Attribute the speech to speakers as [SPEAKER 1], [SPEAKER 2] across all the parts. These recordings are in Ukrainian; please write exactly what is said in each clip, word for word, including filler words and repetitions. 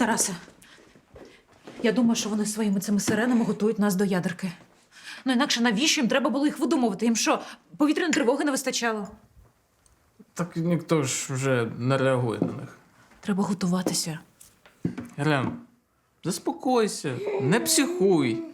[SPEAKER 1] Тарасе, я думаю, що вони своїми цими сиренами готують нас до ядерки. Ну інакше навіщо їм треба було їх видумувати? Їм що, повітряної тривоги не вистачало?
[SPEAKER 2] Так ніхто ж вже не реагує на них.
[SPEAKER 1] Треба готуватися.
[SPEAKER 2] Ірен, заспокойся, не психуй.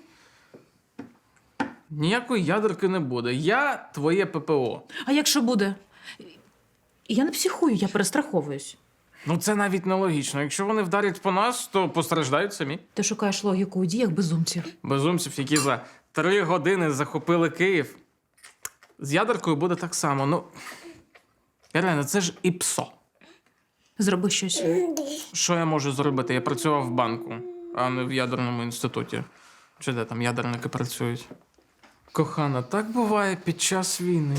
[SPEAKER 2] Ніякої ядерки не буде. Я твоє ППО.
[SPEAKER 1] А якщо буде? Я не психую, я перестраховуюсь.
[SPEAKER 2] Ну це навіть нелогічно. Якщо вони вдарять по нас, то постраждають самі.
[SPEAKER 1] Ти шукаєш логіку у діях безумців.
[SPEAKER 2] Безумців, які за три години захопили Київ. З ядеркою буде так само. Ну, Ірена, це ж і псо.
[SPEAKER 1] Зроби щось.
[SPEAKER 2] Що я можу зробити? Я працював в банку, а не в ядерному інституті. Чи де там ядерники працюють? Кохана, так буває під час війни.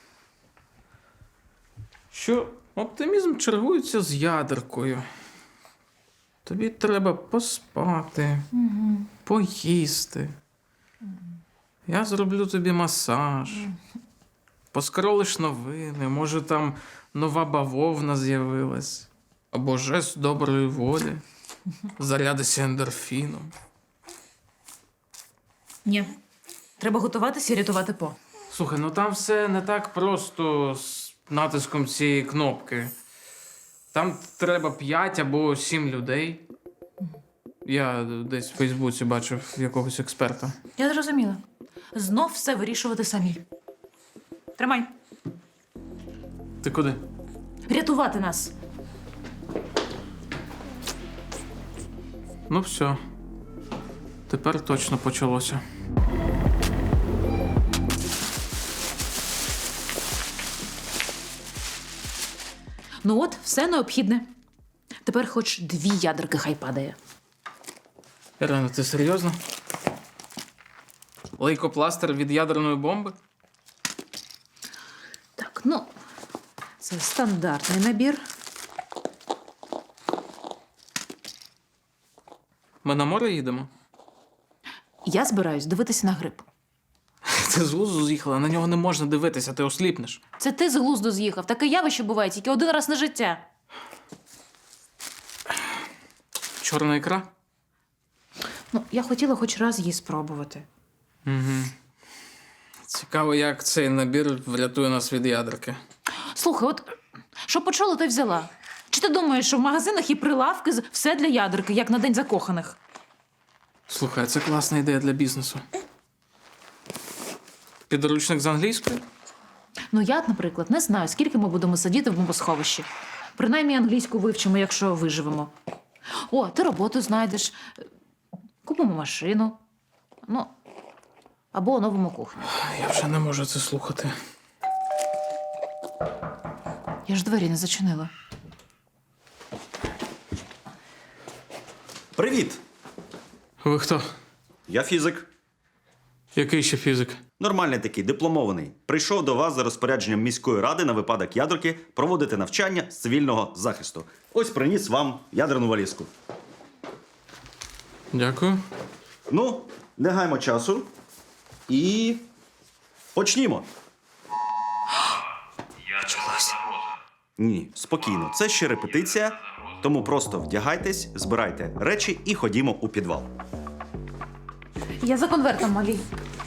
[SPEAKER 2] Що оптимізм чергується з ядеркою. Тобі треба поспати,
[SPEAKER 1] Угу.
[SPEAKER 2] поїсти. Я зроблю тобі масаж. Поскролиш новини, може там нова бавовна з'явилась. Або жест доброї волі. Зарядися ендорфіном.
[SPEAKER 1] Ні. Треба готуватися і рятувати По.
[SPEAKER 2] Слухай, ну там все не так просто з натиском цієї кнопки. Там треба п'ять або сім людей. Я десь в Фейсбуці бачив якогось експерта.
[SPEAKER 1] Я зрозуміла. Знов все вирішувати самі. Тримай.
[SPEAKER 2] Ти куди?
[SPEAKER 1] Рятувати нас.
[SPEAKER 2] Ну все. Тепер точно почалося.
[SPEAKER 1] Ну от, все необхідне. Тепер хоч дві ядерки хай падає.
[SPEAKER 2] Ірина, ти серйозно? Лейкопластир від ядерної бомби?
[SPEAKER 1] Так, ну, це стандартний набір.
[SPEAKER 2] Ми на море їдемо?
[SPEAKER 1] Я збираюсь дивитися на гриб.
[SPEAKER 2] Ти з глузду з'їхала, на нього не можна дивитися, ти осліпнеш.
[SPEAKER 1] Це ти з глузду з'їхав. Таке явище буває тільки один раз на життя.
[SPEAKER 2] Чорна ікра?
[SPEAKER 1] Ну, я хотіла хоч раз її спробувати.
[SPEAKER 2] Угу. Цікаво, як цей набір врятує нас від ядерки.
[SPEAKER 1] Слухай, от що почула, то й взяла. Чи ти думаєш, що в магазинах є прилавки з все для ядерки, як на День закоханих?
[SPEAKER 2] Слухай, це класна ідея для бізнесу. Підручник з англійської?
[SPEAKER 1] Ну, я, наприклад, не знаю, скільки ми будемо сидіти в бомбосховищі. Принаймні англійську вивчимо, якщо виживемо. О, ти роботу знайдеш. Купимо машину. Ну, або оновимо кухню.
[SPEAKER 2] Я вже не можу це слухати.
[SPEAKER 1] Я ж двері не зачинила.
[SPEAKER 3] Привіт!
[SPEAKER 2] Ви хто?
[SPEAKER 3] Я фізик.
[SPEAKER 2] Який ще фізик?
[SPEAKER 3] Нормальний такий, дипломований. Прийшов до вас за розпорядженням міської ради на випадок ядерки проводити навчання з цивільного захисту. Ось приніс вам ядерну валізку.
[SPEAKER 2] Дякую.
[SPEAKER 3] Ну, не гаймо часу. І почнімо. Ні, спокійно. Це ще репетиція. Тому просто вдягайтесь, збирайте речі і ходімо у підвал.
[SPEAKER 1] Я за конвертом, малі.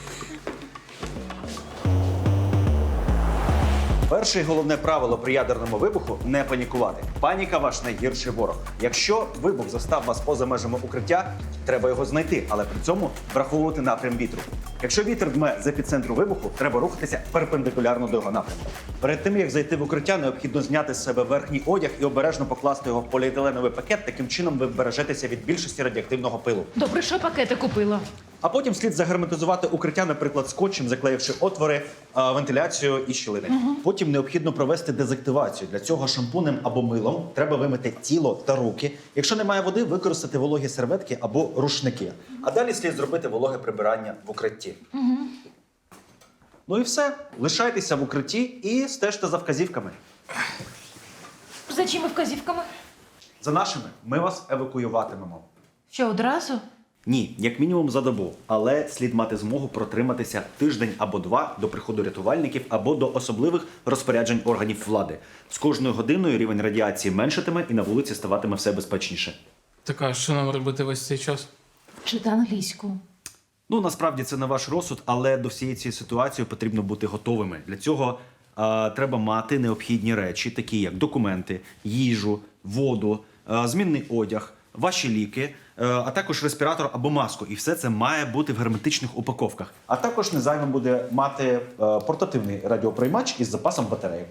[SPEAKER 3] Перше і головне правило при ядерному вибуху – не панікувати. Паніка – ваш найгірший ворог. Якщо вибух застав вас поза межами укриття, треба його знайти, але при цьому враховувати напрям вітру. Якщо вітер дме з епіцентру вибуху, треба рухатися перпендикулярно до його напрямку. Перед тим, як зайти в укриття, необхідно зняти з себе верхній одяг і обережно покласти його в поліетиленовий пакет. Таким чином ви вбережетеся від більшості радіоактивного пилу.
[SPEAKER 1] Добре, що пакети купила.
[SPEAKER 3] А потім слід загерметизувати укриття, наприклад, скотчем, заклеївши отвори, а, вентиляцію і щілини. Угу. Потім необхідно провести дезактивацію. Для цього шампунем або милом треба вимити тіло та руки. Якщо немає води, використати вологі серветки або рушники. А далі слід зробити вологе прибирання в укритті.
[SPEAKER 1] Угу.
[SPEAKER 3] Ну і все. Лишайтеся в укритті і стежте за вказівками.
[SPEAKER 1] За чими вказівками?
[SPEAKER 3] За нашими ми вас евакуюватимемо.
[SPEAKER 1] Що, одразу?
[SPEAKER 3] Ні, як мінімум за добу. Але слід мати змогу протриматися тиждень або два до приходу рятувальників або до особливих розпоряджень органів влади. З кожною годиною рівень радіації меншатиме і на вулиці ставатиме все безпечніше.
[SPEAKER 2] Так, а що нам робити весь цей час?
[SPEAKER 1] Вчити англійську.
[SPEAKER 3] Ну, насправді це не ваш розсуд, але до всієї цієї ситуації потрібно бути готовими. Для цього е, треба мати необхідні речі, такі як документи, їжу, воду, е, змінний одяг, ваші ліки, е, а також респіратор або маску. І все це має бути в герметичних упаковках. А також не зайвим буде мати е, портативний радіоприймач із запасом батарейок.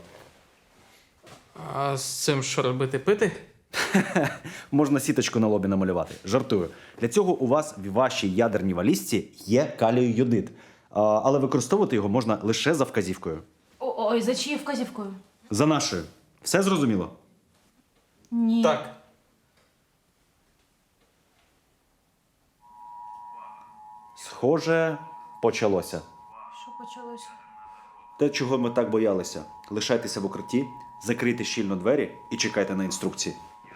[SPEAKER 2] А з цим що робити? Пити?
[SPEAKER 3] Можна сіточку на лобі намалювати. Жартую. Для цього у вас в вашій ядерній валізці є калію-йодид. А, але використовувати його можна лише за вказівкою.
[SPEAKER 1] О- Ой, за чиєю вказівкою?
[SPEAKER 3] За нашою. Все зрозуміло?
[SPEAKER 1] Ні.
[SPEAKER 2] Так.
[SPEAKER 3] Схоже, почалося.
[SPEAKER 1] Що почалося?
[SPEAKER 3] Те, чого ми так боялися. Лишайтеся в укритті, закрийте щільно двері і чекайте на інструкції.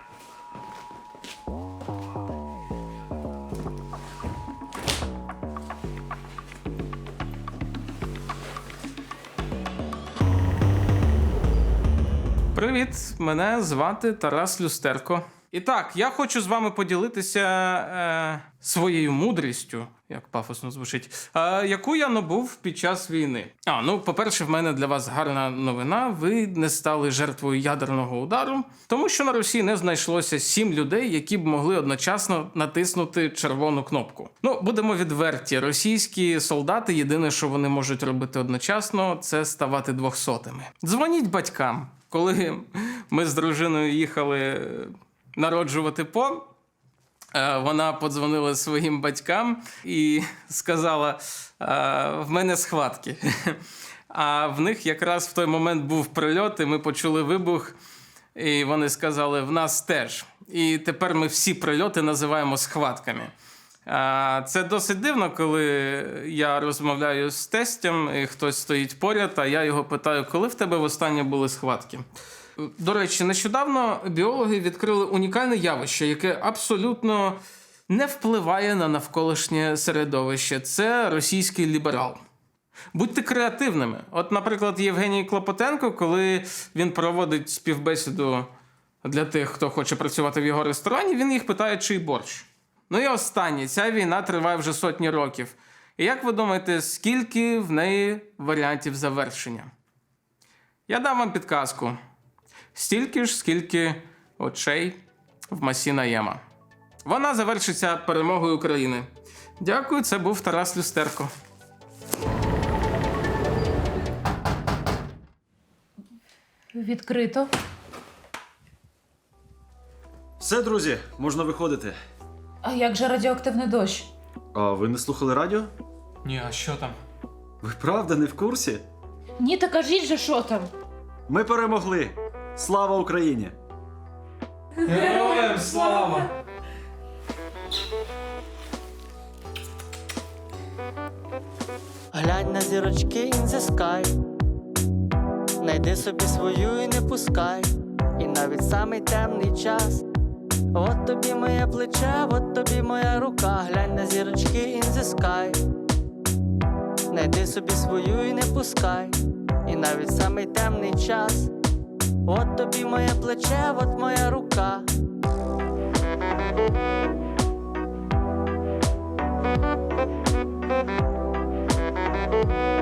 [SPEAKER 2] Привіт, мене звати Тарас Люстерко. І так, я хочу з вами поділитися е, своєю мудрістю, як пафосно звучить, е, яку я набув під час війни. А, ну, по-перше, в мене для вас гарна новина. Ви не стали жертвою ядерного удару, тому що на Росії не знайшлося сім людей, які б могли одночасно натиснути червону кнопку. Ну, будемо відверті, російські солдати єдине, що вони можуть робити одночасно, це ставати двохсотими. Дзвоніть батькам. Коли ми з дружиною їхали народжувати По, вона подзвонила своїм батькам і сказала: в мене схватки. А в них якраз в той момент був прильот, і ми почули вибух, і вони сказали: в нас теж. І тепер ми всі прильоти називаємо схватками. Це досить дивно, коли я розмовляю з тестем, і хтось стоїть поряд, а я його питаю: коли в тебе востаннє були схватки? До речі, нещодавно біологи відкрили унікальне явище, яке абсолютно не впливає на навколишнє середовище. Це російський ліберал. Будьте креативними. От, наприклад, Євгеній Клопотенко, коли він проводить співбесіду для тих, хто хоче працювати в його ресторані, він їх питає, чий борщ. Ну і останнє. Ця війна триває вже сотні років. І як ви думаєте, скільки в неї варіантів завершення? Я дам вам підказку. Стільки ж, скільки очей в Масі Наєма. Вона завершиться перемогою України. Дякую, це був Тарас Люстерко.
[SPEAKER 1] Відкрито.
[SPEAKER 3] Все, друзі, можна виходити.
[SPEAKER 1] А як же радіоактивний дощ?
[SPEAKER 3] А ви не слухали радіо?
[SPEAKER 2] Ні, а що там?
[SPEAKER 3] Ви правда не в курсі?
[SPEAKER 1] Ні, та кажіть же, що там?
[SPEAKER 3] Ми перемогли! Слава Україні!
[SPEAKER 2] Героям слава!
[SPEAKER 4] Глянь на зірочки in the sky. Найди собі свою і не пускай. І навіть самий темний час. От тобі моє плече, от тобі моя рука. Глянь на зірочки in the sky. Найди собі свою і не пускай. І навіть самий темний час. От тобі моє плече, от моя рука. Thank you.